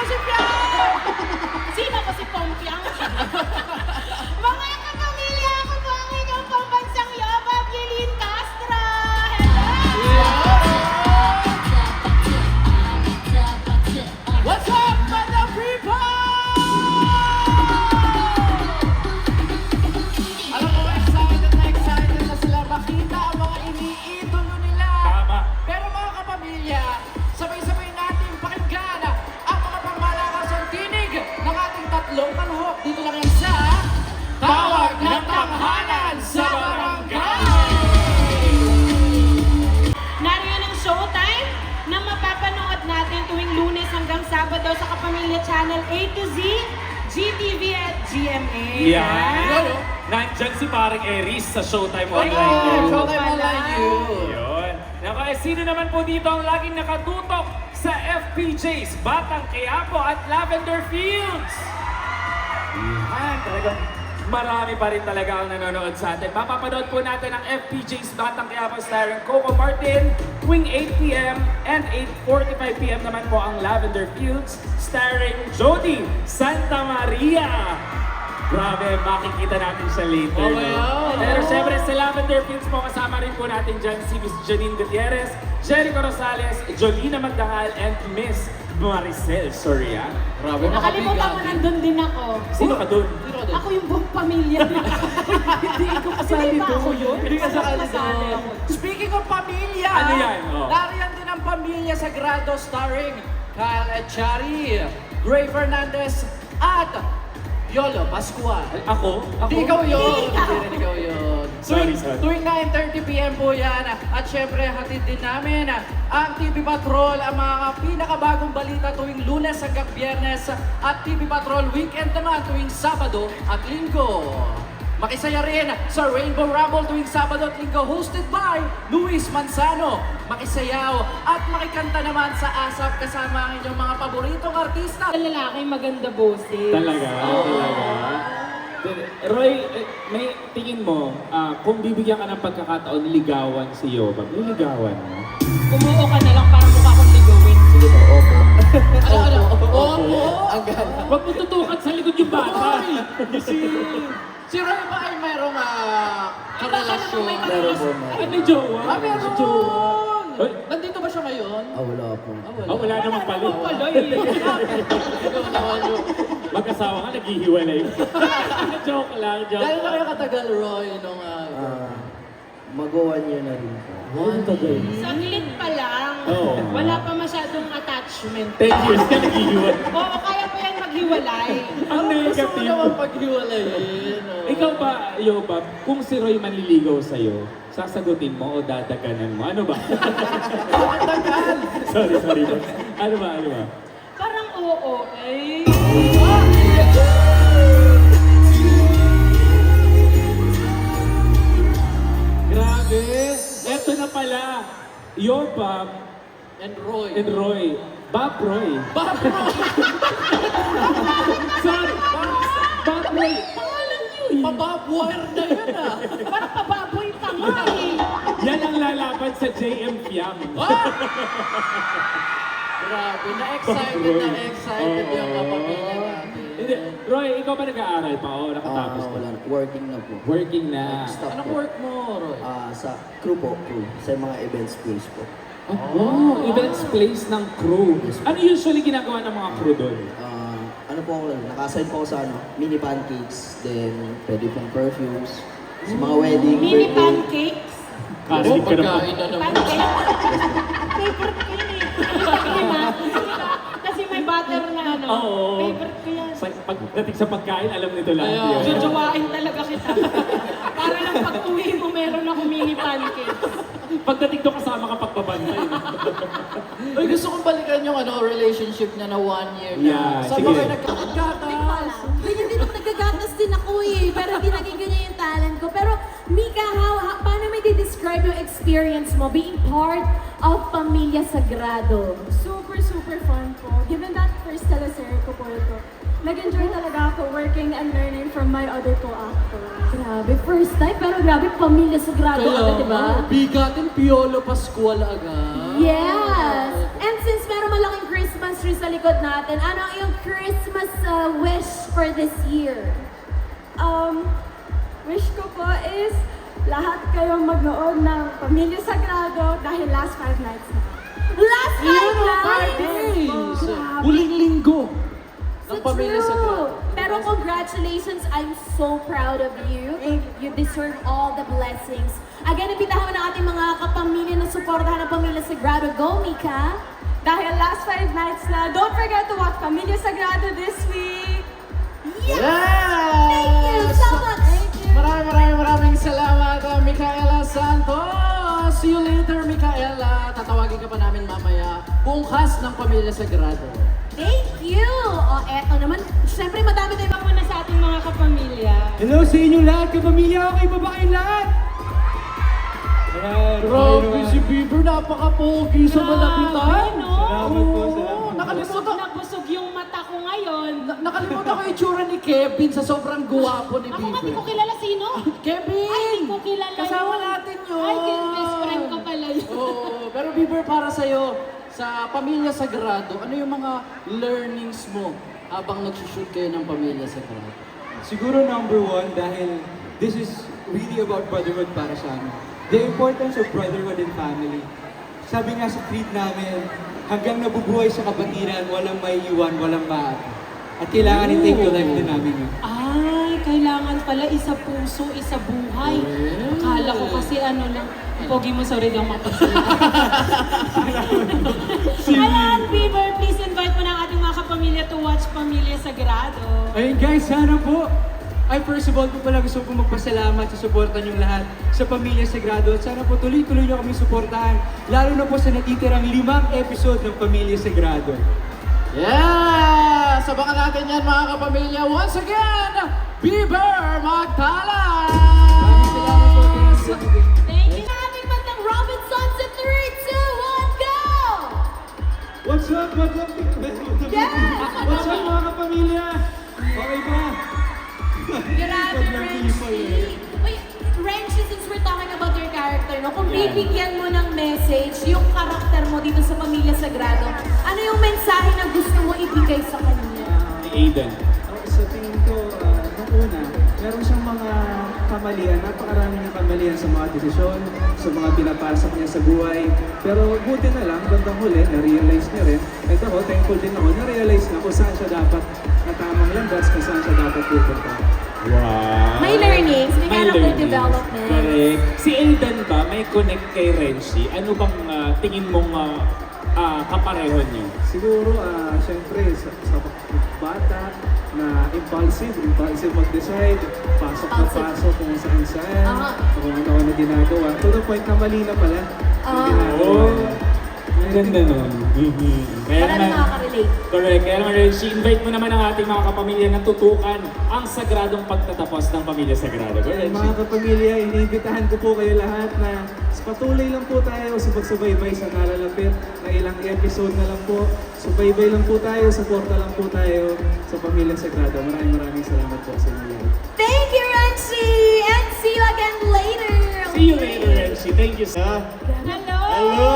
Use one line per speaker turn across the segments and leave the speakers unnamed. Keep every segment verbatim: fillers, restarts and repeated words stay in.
si Piang! Sino ko si Pompiang? Mga kapamilya, ako po ang inyong pambansang Yobab, Yelin Castro! Hello!
What's up, mga people? Alam ko, excited na excited na sila makita ang mga iniidolo nila.
Tama.
Pero mga kapamilya, sabay-sabay natin pakinggan ang mga pangmalakasang tinig ng ating tatlong kalahok. Dito lang yan sa Tawag ng Tanghalan sa Barangay!
Nariyan ang showtime na mapapanood natin tuwing Lunes hanggang Sabado sa Kapamilya Channel A to Z, G T V at G M A.
Yan. Nandyan si parang Eris sa Showtime
Oh,
Online. yun.
Showtime Online you.
Yun. Naku, eh, sino naman po dito ang laging nakatutok sa F P Js, Batang Quiapo at Lavender Fields? Yan, talagang marami pa rin talaga ang nanonood sa atin. Mapapanood po natin ang F P Js Batang Quiapo starring Coco Martin tuwing eight p m and eight forty-five p m naman po ang Lavender Fields starring Jody Santa Maria. Grabe, makikita natin siya later.
Oh,
no?
wow.
Pero syempre sa Lavender Fields po kasama rin po natin dyan si Miss Janine Gutierrez, Jericho Rosales, Jolina Magdangal, and Miss Maricel Soria.
Grabe,
Nakalimutan ko nandun din ako.
Sino ka dun?
Ako yung buong pamilya. Hindi ko kasali
Hindi ba
doon.
ako yun? Hindi ka
Kasali
kasali
ako.
Speaking of pamilya,
Ano yan? Oh.
nariyan din ang Pamilya Sagrado starring Kyle Echari, Gray Fernandez, at Yolo Pascual.
Ako? Ako?
Hindi ikaw yun!
Hindi ikaw.
Hindi rin ikaw yun.
Sorry,
Tuwing-
sorry.
Tuwing nine thirty p m po yan. At syempre, hatid din namin ang T V Patrol, ang mga pinakabagong balita tuwing Lunes hanggang Biyernes. At T V Patrol Weekend naman tuwing Sabado at Linggo. Makisaya rin sa Rainbow Rumble tuwing Sabado at Linggo, hosted by Luis Manzano. Makisayaw at makikanta naman sa ASAP kasama ang inyong mga paboritong artista.
Ang lalaki maganda boses.
Talaga? Talaga? Roy, eh, may tingin mo, ah, kung bibigyan ka ng pagkakataon, ligawan si Yoba, may ligawan mo?
Kumuo ka na lang para mukha kong ligawin.
Sige po, opo.
Ano, ano? Oo!
Ang ganda.
Huwag mo tutukan sa likod yung bata.
Si, si Roy ba ay mayroong uh, karelasyon?
Meron po, meron.
Ay, may jowa.
Ah,
May
meron!
jowa. Hoy.
Nandito ba siya ngayon?
Ah, wala po.
Ah, wala naman pala.
Pala eh.
Ikaw naman yung...
Mag-asawa nga, naghihiwalay. Joke lang, joke
Gano'n na
lang.
kayo katagal, Roy, nung... Uh,
Ah, mag-one year na rin po.
Ano tagal?
Saglit pa lang.
Oo.
Wala pa masyadong attachment.
ten years ka naghihiwalay.
Oo, kaya pa yan maghiwalay.
Ang
gusto mo
negative.
naman paghiwalayin. oh.
Ikaw ba, Yoba, kung si Roy manliligaw sa'yo, sasagutin mo o dadaganan mo? Ano ba?
Ang tagal!
sorry, sorry. Ano ba, ano ba?
Parang oo eh.
Grabe! Eto na pala. Yoba
And Roy.
and Roy. Bob Roy.
Bob Roy!
Sorry! Bob Roy. Pangalan niyo eh.
Pababwire na yan ah!
Parang pababoy pa nga eh.
Yan ang lalaban sa J M Fiam.
Ah! Grabe, na-excited na excited yung kapamilya natin.
Hindi. Roy, ikaw ba nag-aaral pa o
Ah,
nakatapos ka?
wala. Working na po.
Working na.
Stop
Anong
po.
work mo, Roy?
Ah, sa crew po, crew. Sa mga events place po.
Oh, wow, events place ng crew. Ano usually ginagawa ng mga crew doon?
Ah, ano po ako, naka-assign po ako sa ano, mini pancakes, then pwede pong perfumes. Sa mga wedding,
Mini
birthday.
pancakes.
Karinig ka na po.
Pagkain na naman.
Pancakes. Favorite ko yun eh. Di ba? Kasi may butter na ano.
Oo.
Favorite ko yan.
Pag, pagdating sa pagkain, alam nito lahat
Ayaw.
yun.
Jojowain talaga kita. Para lang pag uwi mo, meron ako mini pancakes.
Pagdating doon kasama ka pagbabantay.
Uy, gusto kong balikan yung ano, relationship niya na one year na.
Yeah,
Saan
sige.
ba kayo nagkakagatas?
Ganyan din ako nagagatas din ako eh, pero hindi naging ganyan yung talent ko. Pero Mika, how, how, paano may describe yung experience mo being part of Pamilya Sagrado?
Super, super fun po. Given that first teleserye ko po ito, nag-enjoy talaga ako working and learning from my other co-actors.
Grabe, first time, pero grabe, Pamilya Sagrado agad, di ba?
bigatin Piolo Pascual agad.
Yes! And since meron malaking Christmas rin sa likod natin. Ano ang iyong Christmas uh, wish for this year?
Um, wish ko po is lahat kayong magnood ng Pamilya Sagrado dahil last five nights na.
Last five
Five
nights!
days!
Grabe.
Huling linggo ng
So
Pamilya
true.
Sagrado.
Pero congratulations, I'm so proud of you. You deserve all the blessings. Again, impitahan mo ng ating mga kapamilya na suportahan ng Pamilya Sagrado. Go, Mika!
Dahil last five nights na, don't forget to watch Pamilya Sagrado this week.
Yes!
Yes!
Thank you so much!
Maraming maraming maraming salamat, uh, Micaela Santos. See you later, Micaela. Tatawagin ka pa namin mamaya. Buong cast ng Pamilya Sagrado.
Thank you! O, eto naman. Siyempre, madami tayong mga
Muna sa ating mga kapamilya.
Hello sa inyo lahat, kapamilya, okay pa ba kayong lahat? Ayan,
Grabe
okay
si
naman.
Bieber, napaka-pogi sa malapitan.
no?
Salamat po,
Oo,
salamat po.
nakalimutan,
Busog na busog yung mata ko ngayon.
na- nakalimutan ko yung itsura ni Kevin sa sobrang guwapo ni
Ako nga, di ko
Bieber.
kilala sino.
Kevin!
Ay, di ko kilala
Kasama
yun.
natin yun.
Ay, yung best friend ko pala yun.
Oo, pero Bieber, para sa'yo, sa Pamilya Sagrado, ano yung mga learnings mo habang nagsushoot kayo ng Pamilya Sagrado?
Siguro number one, dahil this is really about brotherhood para sa amin. The importance of brotherhood and family. Sabi nga sa creed namin, hanggang nabubuhay sa kapatiran, walang may iwan, walang maaari. At kailangan i-take to life din namin yun.
Ay, kailangan pala isa puso, isa buhay. Akala ko kasi ano lang, pogi mo, sorry lang makapasalita. Ayan, Bieber, please invite mo na ang ating mga kapamilya to watch Pamilya Sagrado.
Ayun guys, sana po. Ay, first of all po pala gusto ko magpasalamat sa suporta niyong lahat sa Pamilya Sagrado. At sana po tuloy-tuloy niyo kami suportahan. Lalo na po sa natitirang limang episode ng Pamilya Sagrado.
Yes! Sabakan natin yan mga kapamilya. Once again, Bieber Magtalas!
Thank you.
Sa ating bandang Robinson sa three, two, one, go!
What's up? What's up?
Yes!
What's up mga kapamilya? Okay ba?
Grabe, Renchi! Uy, Renchi, since we're talking about your character, no? Kung bibigyan mo ng message yung karakter mo dito sa Pamilya Sagrado, ano yung mensahe na gusto mo ibigay sa kanya?
Aiden.
Oh, sa tingin ko, ah, nung una, meron siyang mga kamalian, napakarami niyang kamalian sa mga desisyon, sa mga pinapasok niya sa buhay. Pero buti na lang, bandang huli, na-realize niya rin. At ako, thankful din ako, na-realize na kung saan siya dapat na tamang landas, kung saan siya dapat pupunta.
Wow.
May learnings, may character
learnings.
development.
Correct. Si Aiden ba, may connect kay Renshi? Ano bang ah, tingin mong ah, ah, kapareho niyo?
Siguro, ah, syempre, sa, sa bata na impulsive, impulsive mag-decide, pasok na
Impulsive.
pasok kung saan saan,
Aha.
kung ano na ginagawa. To the point na mali na pala yung
Ah.
ginagawa.
Ang ganda nun. Mhm. Kaya
Marami
naman,
nakaka-relate.
correct. Kaya naman, Renshi, invite mo naman ang ating mga kapamilya na tutukan ang sagradong pagtatapos ng Pamilya Sagrado. Go,
Ayan,
Renshi.
mga kapamilya, iniimbitahan ko po kayo lahat na patuloy lang po tayo sa pagsubaybay sa nalalapit na ilang episode na lang po. Subaybay lang po tayo, suporta lang po tayo sa Pamilya Sagrado. Maraming maraming salamat po sa inyo lahat.
Thank you, Renchi! And see you again later!
See you later, Renshi. Thank you, sir.
Hello!
Hello!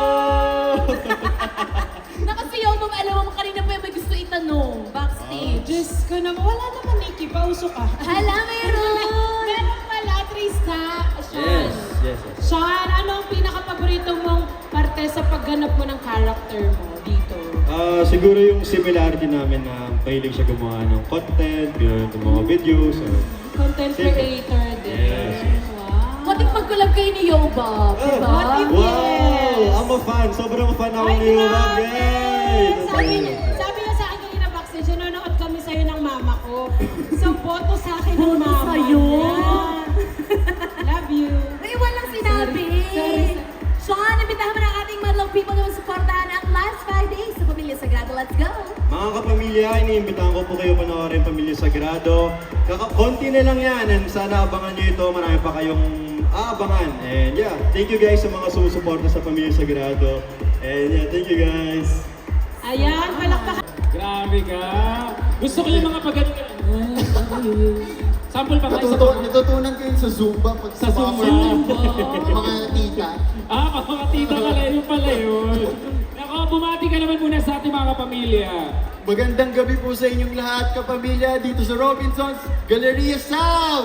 Nakasiyaw mo, alam mo, kanina pa yung may gusto itanong, backstage.
Diyos ko naman, wala naman Nikki, pauso ka.
Hala, meron!
Meron pala, Trista. Sean.
Yes, yes, yes.
Sean, ano ang pinaka-paborito mong parte sa pagganap mo ng character mo dito?
Ah, siguro yung similarity namin na mahilig siya gumawa ng content, yun, ng mga videos. So,
Content
Same.
creator din.
Yes.
Wow.
Matik mag-collab kayo ni Yoba,
Oh,
diba?
what if-
wow!
Yes.
I'm a fan. Sobrang fan ako
Ay,
ni Rob.
grabe!
Yay!
Sabi, niya- sabi niya sa akin kanina backstage, nanonood kami sa'yo ng mama ko. So, boto sa akin ng
Boto
mama.
sa'yo?
Yan. Love you.
May walang sinabi.
Sorry, sorry.
Sean, imbitahan mo na ang ating Madlaw people na supportahan ang last five days sa Pamilya Sagrado. Let's go!
Mga kapamilya, iniimbitahan ko po kayo panoorin Pamilya Sagrado. Kaka konti na lang yan and sana abangan nyo ito. Marami pa kayong aabangan. And yeah, thank you guys sa mga sumusuporta sa Pamilya Sagrado. And yeah, thank you guys.
Ayan, palakpakan.
Grabe ka. Gusto ko yung mga pagaling. Sample pa kayo sa
Natuto, natutunan ko yun sa Zumba pag
Sa Zumba.
mga tita.
Ah, mga tita pala yun pala yun. Nako, bumati ka naman muna sa ating mga kapamilya.
Magandang gabi po sa inyong lahat, kapamilya, dito sa Robinsons Galleria South!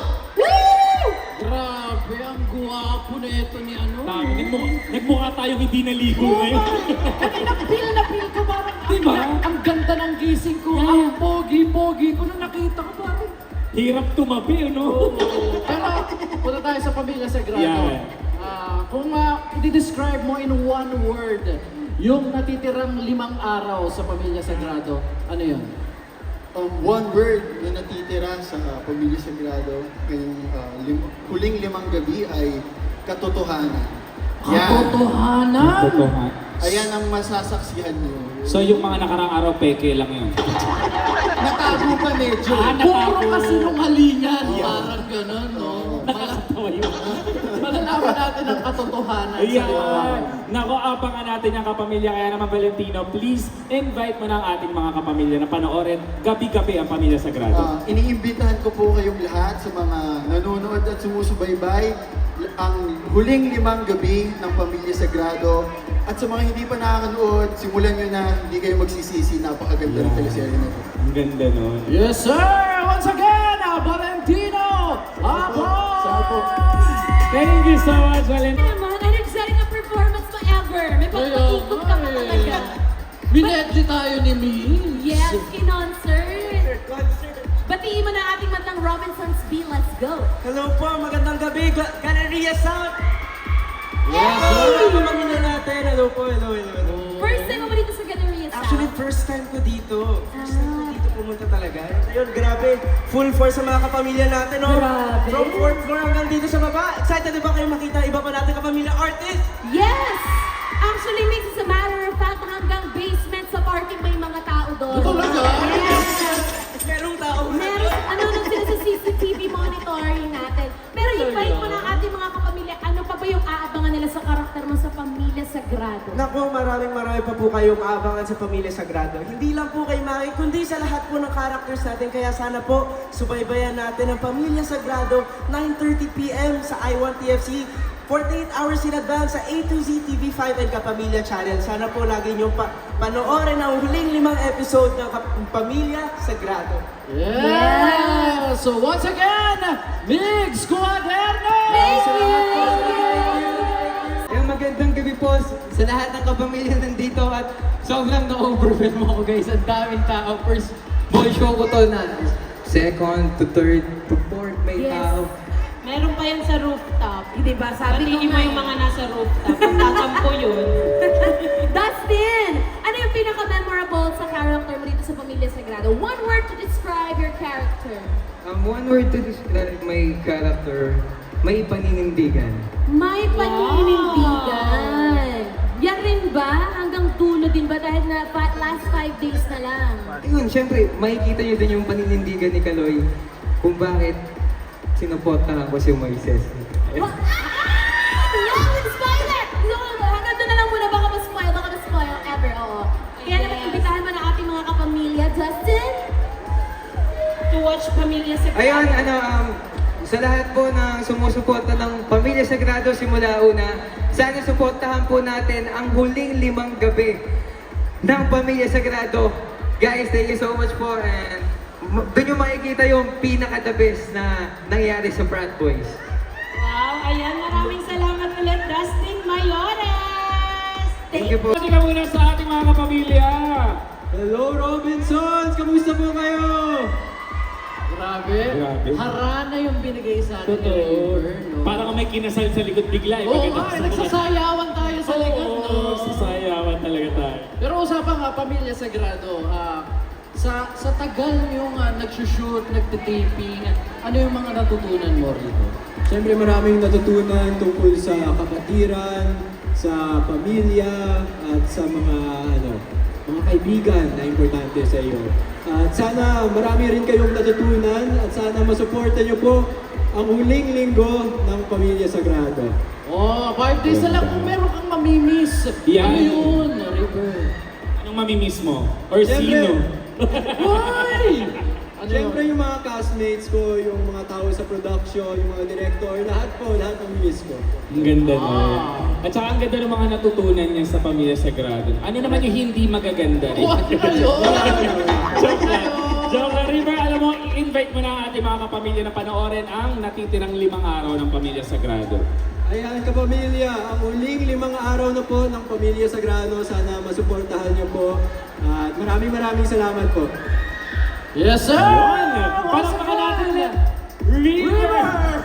Grabe, ang guwapo na ito ni ano.
Tama, nagmukha, nagmukha tayong hindi naligo ngayon.
Kanina feel na feel ko parang
Diba?
ang, ang ganda ng gising ko. Ang pogi-pogi ko nung nakita ko parang.
Hirap tumabi, no?
Pero punta tayo sa Pamilya Sagrado.
Yeah.
Ah, kung uh, i-describe mo in one word, yung natitirang limang araw sa Pamilya Sagrado, ano yun?
Um, one word na natitira sa Pamilya Sagrado ngayong uh, lim- huling limang gabi ay katotohanan.
Katotohanan?
Totoo.
Ayan ang masasaksihan niyo.
So yung mga nakarang araw, peke lang yun.
Natago pa medyo.
Ah,
Puro kasinungalingan. Parang ganun, no?
Nakakatawa yun.
Malalaman natin ang katotohanan sa limang araw.
Ayan! Nako, abangan natin yung kapamilya. Kaya naman, Valentino, please invite mo na ang ating mga kapamilya na panoorin gabi-gabi ang Pamilya Sagrado.
Uh, iniimbitahan ko po kayong lahat sa mga nanonood at sumusubaybay ang huling limang gabi ng Pamilya Sagrado. At sa mga hindi pa nakakanood, simulan nyo na, hindi kayo magsisisi. Napakaganda ng teleserye na ito.
Ang ganda nun.
Yes, sir! Once again, uh, Valentino Apo!
Thank you so much, Valentino.
Naman, energetic na performance mo ever. May pagpaikot ka pa talaga.
Binedli tayo ni Miss.
Yes, in-concert. Batiin mo na ating matang Robinsons B. Let's go.
Hello po, magandang gabi, Ga- Galleria South!
Yes,
Hello, pamilya natin. Hello po, hello, hello, hello.
First time mo ba dito sa Galleria South?
Actually, first time ko dito. First time ko
Ah.
dito pumunta talaga. Ayun, grabe. Full force sa mga kapamilya natin, no?
Grabe.
From fourth floor hanggang dito sa baba. Excited na ba kayo makita iba pa natin kapamilya artist?
Yes! Actually, Mix, as a matter of fact, hanggang basement sa parking may mga tao doon.
Talaga?
Yes!
Merong tao.
Meron, ano nung sila sa C C T V monitoring natin. Pero invite mo na ang ating mga kapamilya, ano pa ba yung aabangan nila sa karakter mo sa Pamilya Sagrado?
Naku, maraming marami pa po kayong aabangan sa Pamilya Sagrado. Hindi lang po kay Maki, kundi sa lahat po ng characters natin. Kaya sana po, subaybayan natin ang Pamilya Sagrado, nine thirty p m sa I one T F C. forty-eight hours in advance sa A to Z T V five and Kapamilya Channel. Sana po lagi niyong pa panoorin ang huling limang episode ng Kap- Pamilya Sagrado.
Yeah! So once again, Migs Cuaderno!
Yung magandang gabi po sa lahat ng kapamilya nandito at sobrang na-overwhelm ako guys. Ang daming tao. First ball show ko to na second to third to fourth may
Yes.
tao.
Meron pa yan sa rooftop.
Di ba? Sabi ko
Batiin mo
nga
yung
eh.
mga nasa rooftop. Tatampo yun.
Dustin! Ano yung pinaka-memorable sa character mo dito sa Pamilya Sagrado? One word to describe your character.
Um, one word to describe my character, may paninindigan.
May paninindigan. Yan rin ba? Hanggang dulo din ba? Dahil na fa- last five days na lang.
Ayun, syempre, makikita niyo din yung paninindigan ni Kaloy kung bakit sinuportahan ko si Moises.
Wa- Ah! No! Spoiler! No, hanggang doon na lang muna. Baka ma-spoil. Baka ma-spoil. Ever, oo. Kaya naman, imbitahan mo na ating mga kapamilya. Justin?
To watch Pamilya Sagrado.
Ayun, ano, um, sa lahat po na sumusuporta ng Pamilya Sagrado simula una, sana suportahan po natin ang huling limang gabi ng Pamilya Sagrado. Guys, thank you so much po and m- doon yung makikita yung pinaka-the best na nangyari sa Brat Boys.
Wow, ayan. Maraming salamat ulit, Dustin Mayores.
Thank you po.
Pati ka muna sa ating mga kapamilya.
Hello, Robinsons! Kamusta po kayo?
Grabe.
Grabe.
Harana yung binigay sa atin ni
Totoo.
River, no?
Parang may kinasal sa likod bigla. eh,
Oo
pagkatapos
nga, eh,
ng-
nagsasayawan tayo sa likod, no?
Oo, sasayawan talaga tayo.
Pero usapan nga, Pamilya Sagrado, ah, sa sa tagal yung uh, nagsushoot, nagtitaping, ano yung mga natutunan mo rito?
Siyempre maraming natutunan tungkol sa kapatiran, sa pamilya, at sa mga ano, mga kaibigan na importante sa iyo. At sana marami rin kayong natutunan at sana masuporta niyo po ang huling linggo ng Pamilya Sagrado.
Oh, five days na lang kung meron kang mamimiss.
Yan.
Ano yun, River?
Anong mamimiss mo? Or
Siyempre.
sino?
Why? Ano
Siyempre
yun?
yung mga castmates ko, yung mga tao sa production, yung mga director, lahat po, lahat ng miss ko.
Ang ganda
Ah.
nun. At saka ang ganda ng mga natutunan niya sa Pamilya Sagrado. Ano naman yung hindi magaganda rin?
Ano yun?
Joke lang. Joke lang. River, alam mo, invite mo na ang ating mga kapamilya na panoorin ang natitirang limang araw ng Pamilya Sagrado.
Ayan, kapamilya, ang huling limang araw na po ng Pamilya Sagrado, sana masuportahan niyo po. At maraming maraming salamat po.
Yes, sir!
Yun!
Once
Palakpakan natin
again,
na River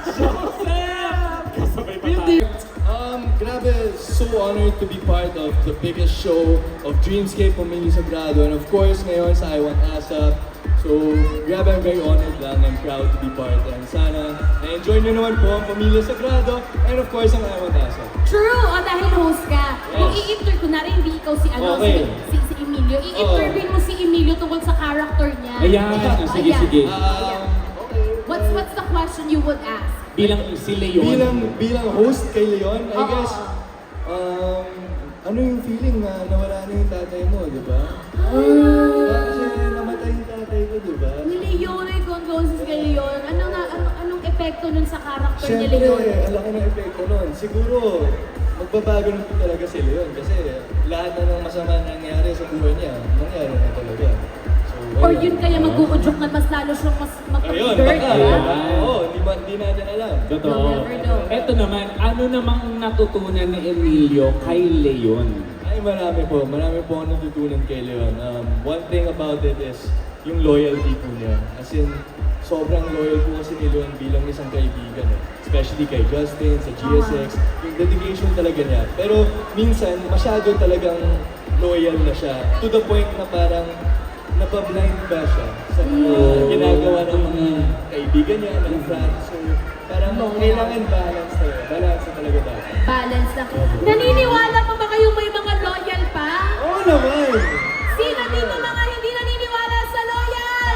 Joseph! Kasabay pa tayo.
Um, grabe, so honored to be part of the biggest show of Dreamscape Pamilya Sagrado, and of course ngayon sa I Want ASAP. So, grabe, I'm very honored lang and proud to be part, and sana na-enjoy nyo naman po ang Pamilya Sagrado, and of course ang I Want ASAP.
True! O dahil host ka, kung
Yes.
i-inter, kunwari hindi ikaw si ano,
Okay.
si, si, si Emilio, i-interview mo si Emilio tungkol sa character niya.
Ayan, oh, sige,
Ayan.
sige.
Ayan. What's what's the question you would ask?
Bilang si Leon.
Bilang, bilang host kay Leon, I
Oo.
guess, um, ano yung feeling na nawala na yung tatay mo, di ba? Kasi namatay yung tatay ko, di ba?
Ni Leon, ay condolences kay Leon. Ano nga, ano, anong epekto nun sa character ni
Siyempre,
Leon?
ang laki ng epekto nun. Siguro, magbabago na po talaga si Leon kasi lahat na ng masama na nangyari sa buhay niya, nangyari na talaga. So,
Or
ayun.
yun kaya mag-uudyok na mas lalo siyang mas
Ayun,
mag-bird,
baka.
diba?
Oo, hindi, ma- hindi natin alam.
Totoo.
You'll never know.
Eto naman, ano namang natutunan ni Emilio kay Leon?
Ay, marami po. Marami po ako natutunan kay Leon. Um, one thing about it is yung loyalty po niya. As in, sobrang loyal po kasi ni Leon bilang isang kaibigan. Eh. Especially kay Justin, sa G S X. Yung dedication talaga niya. Pero minsan, masyado talagang loyal na siya. To the point na parang napablind ba siya sa mga ginagawa ng mga kaibigan niya, ng friends. So, parang kailangan balance talaga. Balance na talaga dapat.
Balance lang. Naniniwala pa ba kayo may mga loyal pa?
Oo naman!
Sino dito mga hindi naniniwala sa loyal?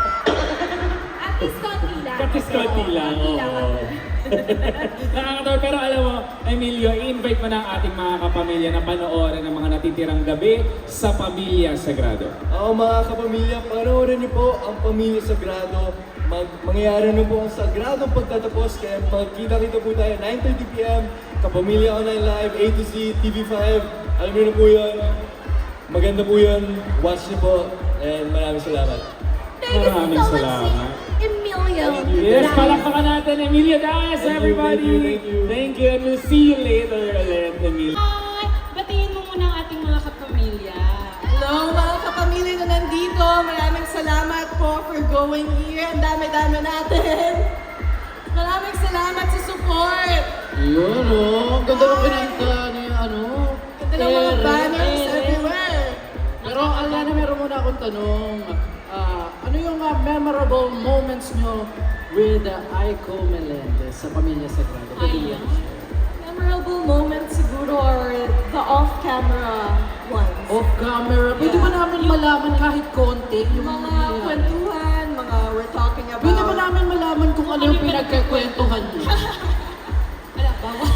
At least konti lang.
At least konti lang,
Konti lang.
oo. Nakakatawa, pero alam mo, Emilio, i-invite mo na ang ating mga kapamilya na panoorin ang mga natitirang gabi sa Pamilya Sagrado.
Oo mga kapamilya, panoorin niyo po ang Pamilya Sagrado. Mag mangyayari na po ang sagradong pagtatapos, kaya magkita-kita po tayo nine thirty p m Kapamilya Online Live, A to Z, T V five. Alam niyo na po yun. Maganda po yun. Watch niyo po. And maraming salamat.
Thank you
Maraming
so much,
salamat.
Emilio.
Yes,
Diaz.
palakpakan natin Emilio Diaz,
Thank you,
everybody!
thank you, thank you.
Thank you, and we'll see you later ulit, Emilio.
Hi! Batiin mo muna ang ating mga kapamilya.
Hello mga kapamilya na nandito. Maraming salamat po for going here. Ang dami-dami natin. Maraming salamat sa support.
Yun, oh. Ang ganda ng pinanta ni ano.
Ganda ng mga
Tere,
banners
Tere.
everywhere.
Pero Aliana, meron muna akong tanong. Ah, ano yung ah, memorable moments nyo with uh, Aiko Melendez sa Pamilya Sagrado? Pwede
Ay,
yan.
Memorable moments siguro are the off-camera ones.
Off camera. Pwede ba namin malaman kahit konti?
Yung mga kwentuhan, mga we're talking about...
Pwede ba namin malaman kung ano yung pinagkakwentuhan nyo?
Wala, bawal.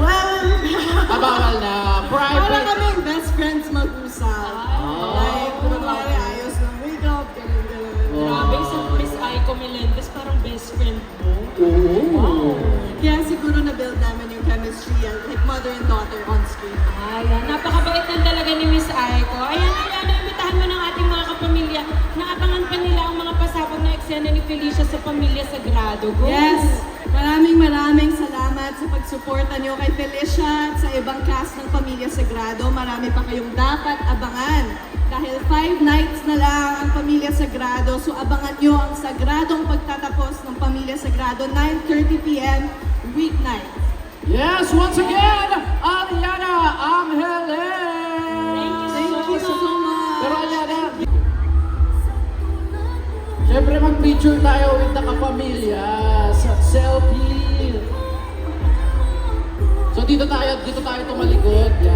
Ah, bawal na.
Para
Private.
kaming best friends mag-usap.
Ah.
Like, kunwari ayos ng makeup, ganun, ganun.
Grabe, si Miss Aiko Melendez, parang best friend mo.
Oo.
Kaya siguro na-build namin yung chemistry, and like mother and daughter on screen.
Ayan, napakabait lang talaga ni Miss Aiko. Ayan, ayan, imbitahan mo ng ating mga kapamilya na abangan pa nila ang mga pasabog na eksena ni Felicia sa Pamilya Sagrado. Go!
Yes! Maraming maraming salamat sa pagsuporta niyo kay Felicia at sa ibang cast ng Pamilya Sagrado. Marami pa kayong dapat abangan. Dahil five nights na lang ang Pamilya Sagrado, so abangan niyo ang sagradong pagtatapos ng Pamilya Sagrado, nine thirty p m weeknight.
Yes, once again, Aliana Angeles!
Thank you so much!
Pero Aliana, syempre mag-picture tayo with the kapamilya sa selfie. So dito tayo, dito tayo tumalikod. Yan.